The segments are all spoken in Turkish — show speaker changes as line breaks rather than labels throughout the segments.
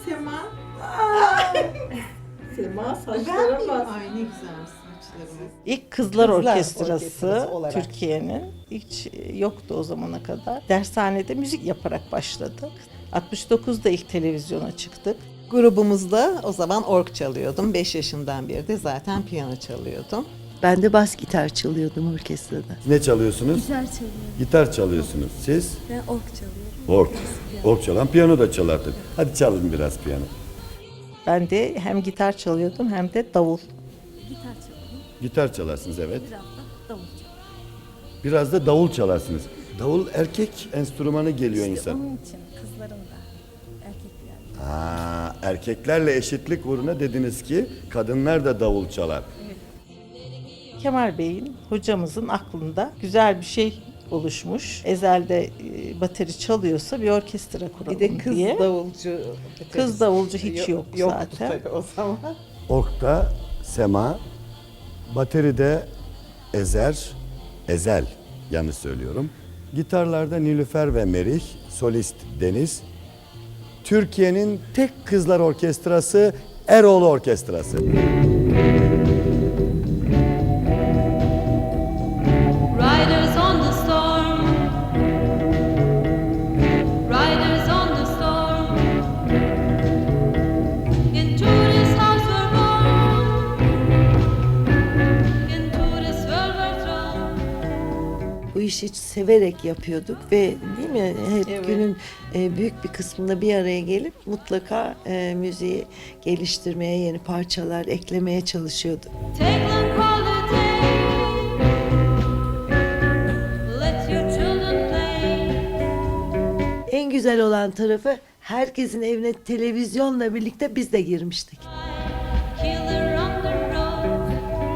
Sema.
Sema saçlara bak.
Ay ne güzel saçlarımız.
İlk Kızlar
Orkestrası
Orkestrası
olarak.
Türkiye'nin hiç yoktu o zamana kadar. Dershanede müzik yaparak başladık. 69'da ilk televizyona çıktık.
Grubumuzda o zaman org çalıyordum. 5 yaşından beri de zaten piyano çalıyordum.
Ben de bas gitar çalıyordum orkestrada.
Ne çalıyorsunuz?
Gitar çalıyorum.
Gitar çalıyorsunuz. Siz?
Ben org çalıyorum.
Org. Org çalan piyano da çalardık. Hadi çalın biraz piyano.
Ben de hem gitar çalıyordum hem de davul.
Gitar çalıyorum.
Gitar çalarsınız evet.
Biraz da davul çalıyorum.
Biraz da davul çalarsınız. Davul erkek enstrümanı geliyor insan.
Onun için kızların da erkekler.
Erkeklerle eşitlik uğruna dediniz ki kadınlar da davul çalar.
Kemal Bey'in hocamızın aklında güzel bir şey oluşmuş. Ezel'de bateri çalıyorsa bir orkestra kuralım
Bir de kız
diye.
davulcu.
Kız davulcu hiç yok
Yoktu
zaten.
tabii o zaman.
Org'da Sema, bateride Ezel, yanlış söylüyorum. Gitarlarda Nilüfer ve Merih, solist Deniz. Türkiye'nin tek kızlar orkestrası Eroğlu Orkestrası.
Riders on the storm. Riders on the storm. Into this house we're born. Into this world we're thrown.
Bu işi severek yapıyorduk ve değil mi hep
Evet.
günün büyük bir kısmında bir araya gelip mutlaka müziği geliştirmeye, yeni parçalar eklemeye çalışıyorduk.
Take long holiday. Let your children play.
En güzel olan tarafı herkesin evine televizyonla birlikte biz de girmiştik.
Killer on the road.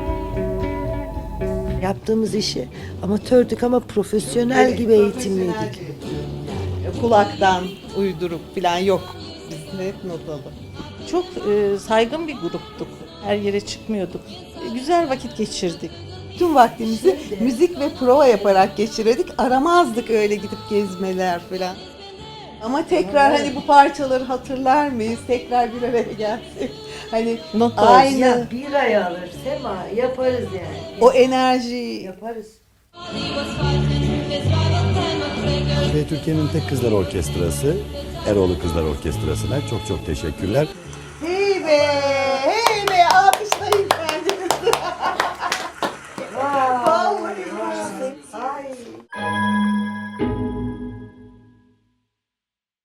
Yaptığımız işi amatördük ama profesyonel gibi eğitimliydik.
Kulaktan uydurup falan yok. Biz hep notalı.
Çok saygın bir gruptuk. Her yere çıkmıyorduk. Güzel vakit geçirdik.
Tüm vaktimizi müzik ve prova yaparak geçirirdik. Aramazdık öyle gidip gezmeler falan. Ama tekrar hani bu parçaları hatırlar mıyız? Tekrar bir araya gelsek. Hani
Not
aynı
bir ay alır Sema, yaparız yani.
o enerjiyi
Yaparız.
He was fighting his rival Time of
Ve Türkiye'nin tek kızlar orkestrası Eroğlu Kızlar Orkestrası'na çok çok teşekkürler.
hey be!